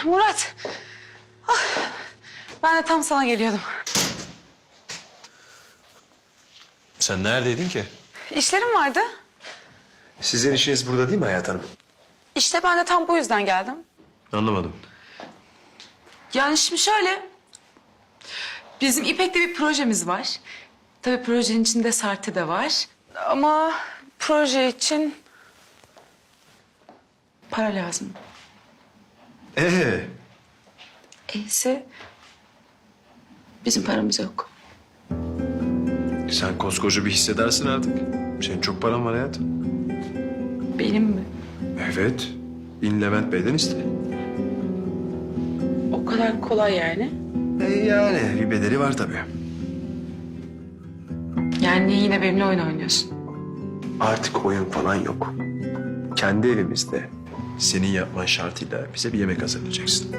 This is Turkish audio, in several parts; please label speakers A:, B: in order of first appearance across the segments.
A: Murat. Ah, ben de tam sana geliyordum.
B: Sen neredeydin ki?
A: İşlerim vardı.
B: Sizin işiniz burada değil mi Hayat Hanım?
A: İşte ben de tam bu yüzden geldim.
B: Anlamadım.
A: Yani şimdi şöyle. Bizim İpek'te bir projemiz var. Tabii projenin içinde Sartı da var. Ama proje için para lazım. Ese bizim paramız yok.
B: Sen koskoca bir hissedarsın artık. Senin çok paran var hayatım.
A: Benim mi?
B: Evet. İn Levent Bey'den iste.
A: O kadar kolay yani.
B: Yani bir bedeli var tabii.
A: Yani niye yine benimle oyun oynuyorsun?
B: Artık oyun falan yok. Kendi evimizde senin yapman şartıyla bize bir yemek hazırlayacaksın.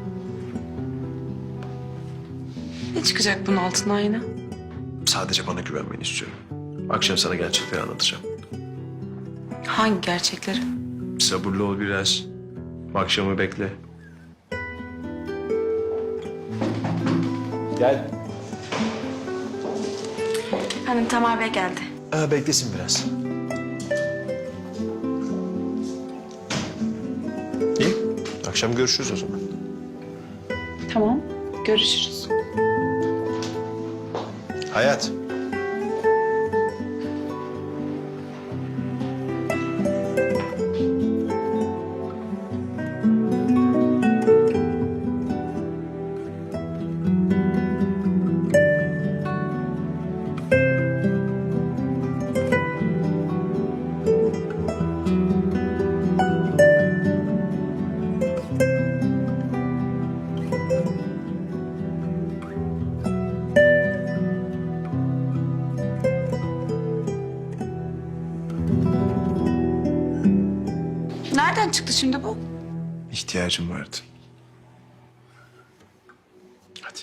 A: Ne çıkacak bunun altından yine?
B: Sadece bana güvenmeni istiyorum. Akşam sana gerçekleri anlatacağım.
A: Hangi gerçekleri?
B: Sabırlı ol biraz. Akşamı bekle. Gel.
A: Hanım Tamer Bey geldi.
B: Beklesin biraz. İyi. Akşam görüşürüz o zaman.
A: Tamam, görüşürüz.
B: Hayat.
A: Nereden çıktı şimdi bu?
B: İhtiyacım vardı. Hadi.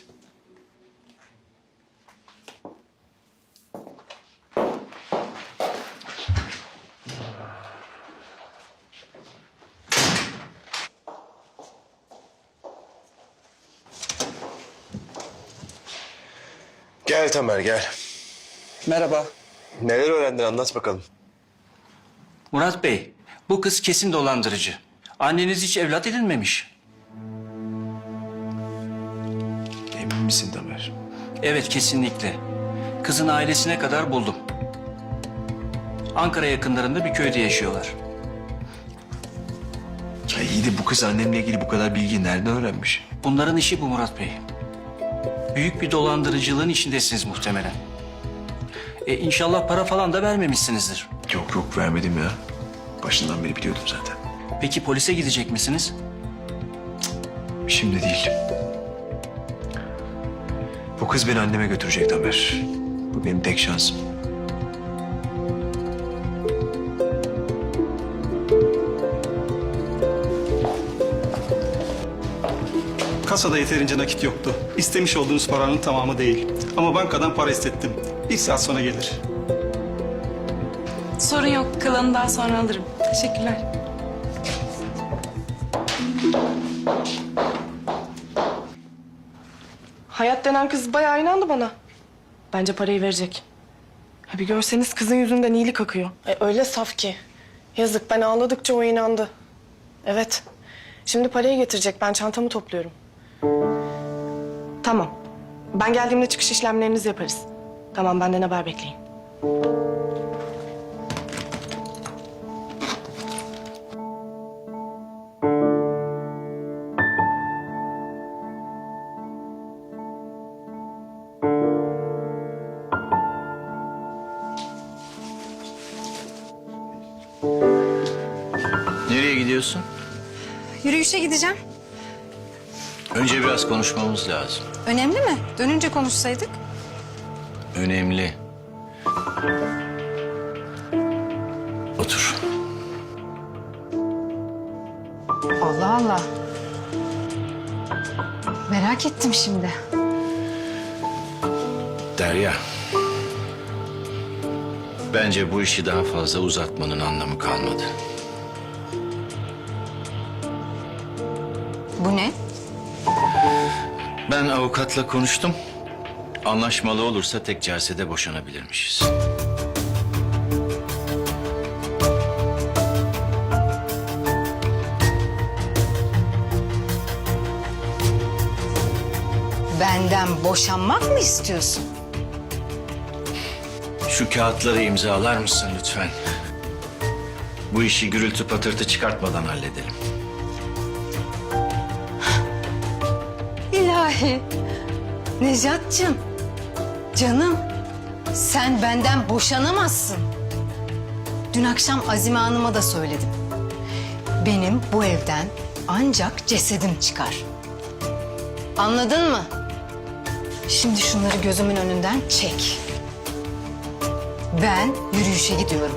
B: Gel Tamer gel.
C: Merhaba.
B: Neler öğrendin anlat bakalım.
C: Murat Bey, bu kız kesin dolandırıcı. Anneniz hiç evlat edinmemiş.
B: Emin misin Tamer?
C: Evet, kesinlikle. Kızın ailesine kadar buldum. Ankara yakınlarında bir köyde yaşıyorlar.
B: Ya iyi de bu kız annemle ilgili bu kadar bilgiyi nereden öğrenmiş?
C: Bunların işi bu Murat Bey. Büyük bir dolandırıcılığın içindesiniz muhtemelen. İnşallah para falan da vermemişsinizdir.
B: Yok yok vermedim ya. Başından beri biliyordum zaten.
C: Peki polise gidecek misiniz?
B: Şimdi değil. Bu kız beni anneme götürecek Tamer. Bu benim tek şansım.
D: Kasada yeterince nakit yoktu. İstemiş olduğunuz paranın tamamı değil. Ama bankadan para istettim. Bir saat sonra gelir.
A: Sorun yok, kalanını daha sonra alırım. Teşekkürler.
E: Hayat denen kız bayağı inandı bana. Bence parayı verecek. Ha bir görseniz kızın yüzünden iyilik akıyor. Öyle saf ki. Yazık, ben ağladıkça o inandı. Evet. Şimdi parayı getirecek, ben çantamı topluyorum. Tamam. Ben geldiğimde çıkış işlemlerinizi yaparız. Tamam, benden haber bekleyin.
F: Nereye gidiyorsun?
G: Yürüyüşe gideceğim.
F: Önce biraz konuşmamız lazım.
G: Önemli mi? Dönünce konuşsaydık.
F: Önemli. Otur.
G: Allah Allah. Merak ettim şimdi.
F: Derya. Bence bu işi daha fazla uzatmanın anlamı kalmadı.
G: Bu ne?
F: Ben avukatla konuştum. Anlaşmalı olursa tek celsede boşanabilirmişiz.
G: Benden boşanmak mı istiyorsun?
F: Şu kağıtları imzalar mısın lütfen? Bu işi gürültü patırtı çıkartmadan halledelim.
G: İlahi. Nejat'cığım. Canım. Sen benden boşanamazsın. Dün akşam Azime Hanım'a da söyledim. Benim bu evden ancak cesedim çıkar. Anladın mı? Şimdi şunları gözümün önünden çek. Ben yürüyüşe gidiyorum.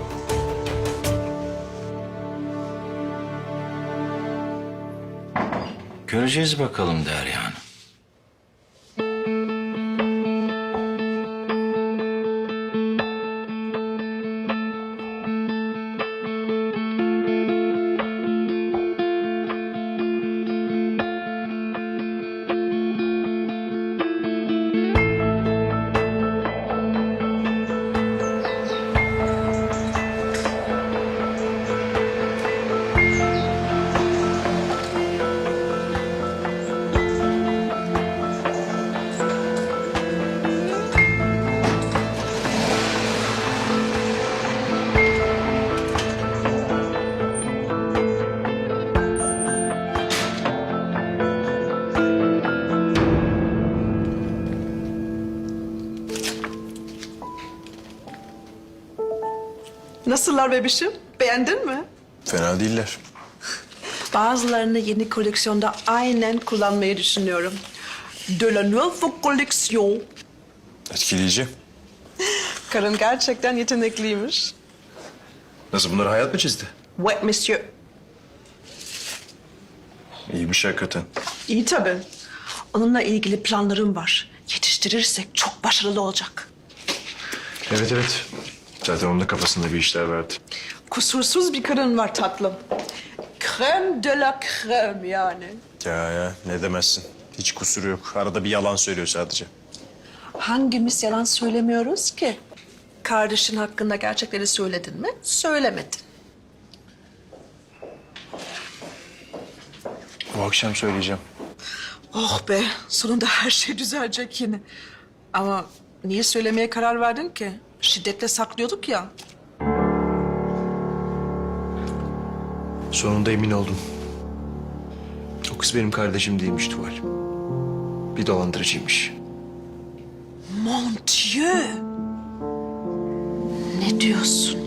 F: Göreceğiz bakalım Derya Hanım.
H: Nasıllar bebişim? Beğendin mi?
B: Fena değiller.
H: Bazılarını yeni koleksiyonda aynen kullanmayı düşünüyorum. De la nouvelle collection.
B: Etkileyici.
H: Karın gerçekten yetenekliymiş.
B: Nasıl, bunları hayat mı çizdi?
H: Ouais, monsieur.
B: İyiymiş hakikaten.
H: İyi tabii. Onunla ilgili planlarım var. Yetiştirirsek çok başarılı olacak.
B: Evet evet. Zaten onun da kafasında bir işler vardı.
H: Kusursuz bir karın var tatlım. Crème de la crème yani.
B: Ya ne demezsin. Hiç kusuru yok. Arada bir yalan söylüyor sadece.
H: Hangimiz yalan söylemiyoruz ki? Kardeşin hakkında gerçekleri söyledin mi? Söylemedin.
B: Bu akşam söyleyeceğim.
H: Oh be, sonunda her şey düzelecek yine. Ama niye söylemeye karar verdin ki? Şiddetle saklıyorduk ya.
B: Sonunda emin oldum. O kız benim kardeşim değilmiş Tuval. Bir dolandırıcıymış.
H: Mon Dieu! Ne diyorsun?